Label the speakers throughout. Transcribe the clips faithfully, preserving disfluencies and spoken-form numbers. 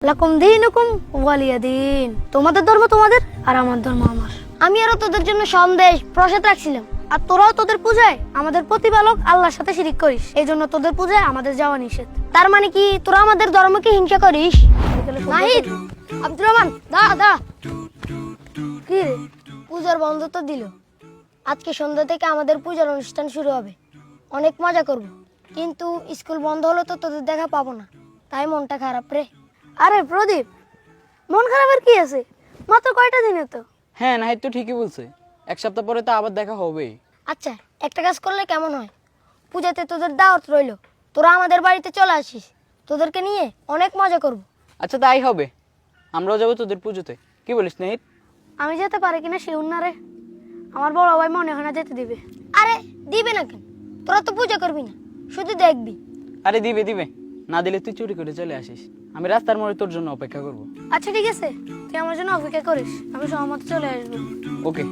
Speaker 1: লাকুম দীনুকুম ওয়ালিয়া দিন। তোমাদের ধর্ম তোমাদের আর আমার ধর্ম আমার। আমি আরো তোদের জন্য সন্দেশ প্রসাদ রাখছিলাম, আর তোরাও তোদের পূজায় আমাদের প্রতিপালক আল্লাহর সাথে শিরিক করিস, এই জন্য তোদের পূজায় আমাদের যাওয়া নিষেধ। তার মানে কি তোরা আমাদের ধর্মকে হিংসা করিস? নাহিদ, আব্দুর রহমান, দা দা কি রে, পূজার বন্ধ তো দিল। আজকে সন্ধ্যা থেকে আমাদের পূজার অনুষ্ঠান শুরু হবে, অনেক মজা করব। কিন্তু স্কুল বন্ধ হলে তো তোদের দেখা পাবো না, তাই মনটা খারাপ রে। আরে প্রদীপ, মন খারাপের কি আছে? মাত্র কয়টা দিনে তো।
Speaker 2: হ্যাঁ, নাহিদ তো ঠিকই বলছে, এক সপ্তাহ পরে তো আবার দেখা হবেই।
Speaker 1: আচ্ছা, একটা কাজ করলে কেমন হয়? পূজাতে তোদের দাওয়াত রইলো, তোরা আমাদের বাড়িতে চলে আসিস, তোদেরকে নিয়ে অনেক মজা করব।
Speaker 2: আচ্ছা, তাই হবে, আমরাও যাবো তোদের পুজোতে। কি বলিস নাহিদ?
Speaker 1: আমি যেতে পারি কিনা শিউর না রে, আমার বড় ভাই মনে হয় না যেতে দিবে। আরে দিবে না কেন? তোরা তো পূজা করবি না, শুধু দেখবি।
Speaker 2: আরে দিবে দিবে, না দিলে তুই চুরি করে চলে আসিস, আমি রাস্তার মোড়ে তোর জন্য অপেক্ষা করব।
Speaker 1: আচ্ছা ঠিক আছে, তুই আমার জন্য অপেক্ষা করিস, আমি সহমত চলে আসবো।
Speaker 2: ওকে।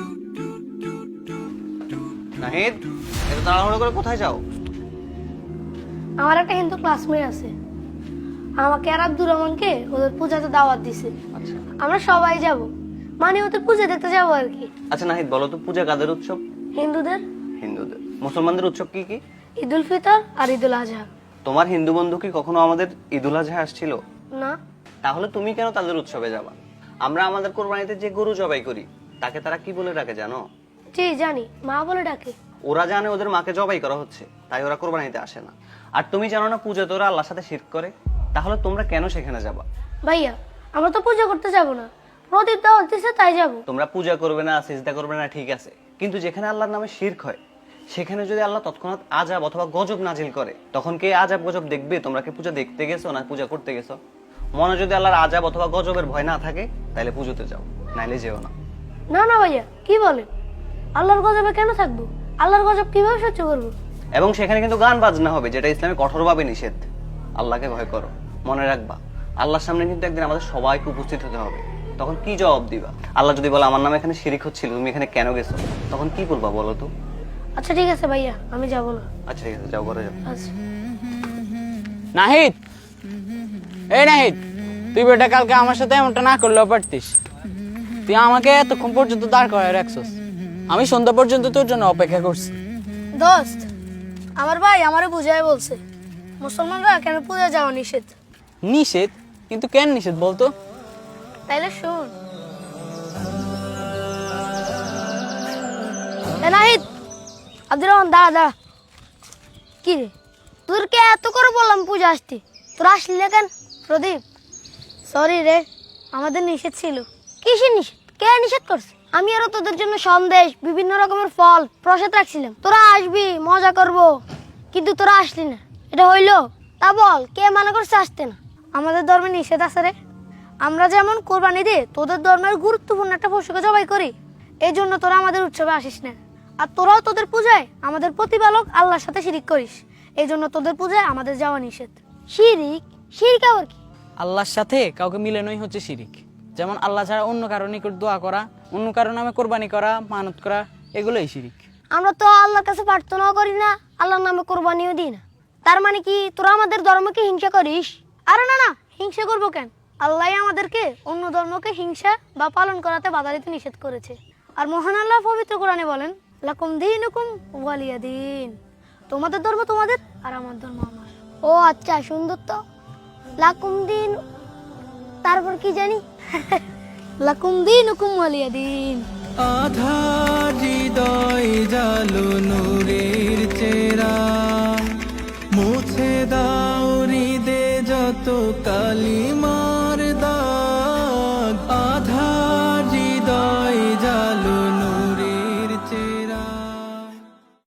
Speaker 3: নাহিদ, এত তাড়াহুড়ো করে কোথায় যাও?
Speaker 1: আমার একটা হিন্দু ক্লাসমেট আছে, আমাকে আর আব্দুর রহমানকে ওদের পূজাতে দাওয়াত দিছে।
Speaker 3: আচ্ছা
Speaker 1: আমরা সবাই যাব, মানে ওদের পূজা দেখতে যাবো আর কি।
Speaker 3: আচ্ছা নাহিদ, বলো তো পূজা কাদের উৎসব?
Speaker 1: হিন্দুদের।
Speaker 3: হিন্দুদের। মুসলমানদের উৎসব কি কি?
Speaker 1: ঈদুল ফিতর আর ঈদুল আজহা।
Speaker 3: তোমার হিন্দু বন্ধু কি কখনো আমাদের ঈদুল আজহা আসছিল?
Speaker 1: না।
Speaker 3: তাহলে তুমি কেন তাদের উৎসবে যাবা? আমরা আমাদের কোরবানিতে যে গরু জবাই করি তাকে তারা কি বলে ডাকে জানো?
Speaker 1: জি জানি, মা বলে ডাকে।
Speaker 3: ওরা জানে ওদের মাকে জবাই করা হচ্ছে, তাই ওরা কোরবানিতে আসে না। আর তুমি জানো না পূজাতে ওরা আল্লাহর সাথে শিরক করে, তাহলে তোমরা কেন সেখানে যাবা?
Speaker 1: ভাইয়া, আমরা তো পূজা করতে যাব না, প্রদীপ দাওয়াত দিছে তাই যাব।
Speaker 3: তোমরা পূজা করবে না, সিজদা করবে না, ঠিক আছে, কিন্তু যেখানে আল্লাহর নামে শিরক হয় সেখানে যদি আল্লাহ তৎক্ষণাৎ আযাব অথবা গজব নাজিল করে, তখন কে আযাব গজব দেখবে? তোমরা কি পূজা দেখতে গেছো না পূজা করতে গেছো? মনে যদি আল্লাহর আযাব অথবা গজবের ভয় না থাকে তাহলে পুজোতে যাও, নাইলে যেও না।
Speaker 1: না না ভাইয়া, কি বলে? আল্লাহর গজবে কেন থাকবো? আল্লাহর গজব কিভাবে সহ্য করবো?
Speaker 3: এবং সেখানে কিন্তু গান বাজনা হবে, যেটা ইসলামে কঠোরভাবে নিষেধ। আল্লাহকে ভয় করো, মনে রাখবা আল্লাহর সামনে কিন্তু একদিন আমাদের সবাইকে উপস্থিত হতে হবে। তখন কি জবাব দিবা? আল্লাহ যদি বলে আমার নামে এখানে শিরিক হচ্ছিল, তুমি এখানে কেন গেছো, তখন কি বলবা বলো তো?
Speaker 1: আচ্ছা ঠিক আছে ভাইয়া, আমি যাব না।
Speaker 3: আচ্ছা ঠিক আছে, যাও করে যাও।
Speaker 1: আচ্ছা।
Speaker 2: নাহিদ, এই নাহিদ, তুই বেটা কালকে আমার সাথে এমনটা না করলেও পারতিস। তুই আমাকে এতক্ষণ পর্যন্ত দাঁড় করায় রাখছস, আমি সন্ধ্যা পর্যন্ত তোর জন্য অপেক্ষা করছি।
Speaker 1: দোস্ত, আমার ভাই আমারে বুঝায় বলছে মুসলমানরা কেন পূজা যাওয়া নিষেধ।
Speaker 2: নিষেধ? কিন্তু কেন নিষেধ বলতো?
Speaker 1: তাইলে শুন। এ নাহিদ, আব্দুর রহমান, দা দা কি রে, তোরকে এত করে বললাম পূজা আসতে, তোর আসলি না কেন? প্রদীপ, সরি রে, আমাদের নিষেধ ছিল। কিসের নিষেধ? কে নিষেধ করছে? আমি আরো তোদের জন্য সন্দেশ, বিভিন্ন রকমের ফল প্রসাদ রাখছিলাম, তোরা আসবি মজা করব, কিন্তু তোরা আসলি না, এটা হইলো? তা বল, কে মানা করছে আসতে না? আমাদের ধর্মে নিষেধ আছে রে। আমরা যেমন কোরবানি দিয়ে তোদের ধর্মের গুরুত্বপূর্ণ একটা পশুকে জবাই করি, এই জন্য তোরা আমাদের উৎসবে আসিস না। আর তোরাও তোদের পূজায় আমাদের প্রতিপালক আল্লাহর সাথে শিরিক করিস, এই জন্য তোদের পূজায় আমাদের যাওয়া নিষেধ। শিরিক? শিরিক আবার কি?
Speaker 2: আল্লাহর সাথে কাউকে মিলানোই হচ্ছে শিরিক। যেমন আল্লাহ ছাড়া অন্য কারো নিকট দোয়া করা, অন্য কারো নামে কোরবানি করা, মানত করা, এগুলোই শিরিক।
Speaker 1: আমরা তো আল্লাহর কাছে প্রার্থনাও করি না, আল্লাহর নামে কোরবানিও দিই না। তার মানে কি তোরা আমাদের ধর্মকে হিংসা করিস? আরে না না, হিংসা করবো কেন? আল্লাহ আমাদেরকে অন্য ধর্মকে হিংসা বা পালন করাতে বাধা দিতে নিষেধ করেছে। আর মহান আল্লাহ পবিত্র কোরআনে বলেন, লাকুম দীনুকুম ওয়ালিয়া দিন। তোমাদের ধর্ম তোমাদের আর আমার ধর্ম আমার। ও আচ্ছা, সুন্দর তো। লাকুম দিন, তারপর কি জানি? লাকুম দীনুকুম ওয়ালিয়া দিন।
Speaker 4: আধার হৃদয় জালো নূরের চেরা, মুছে দাও হৃদে যত কালিমা।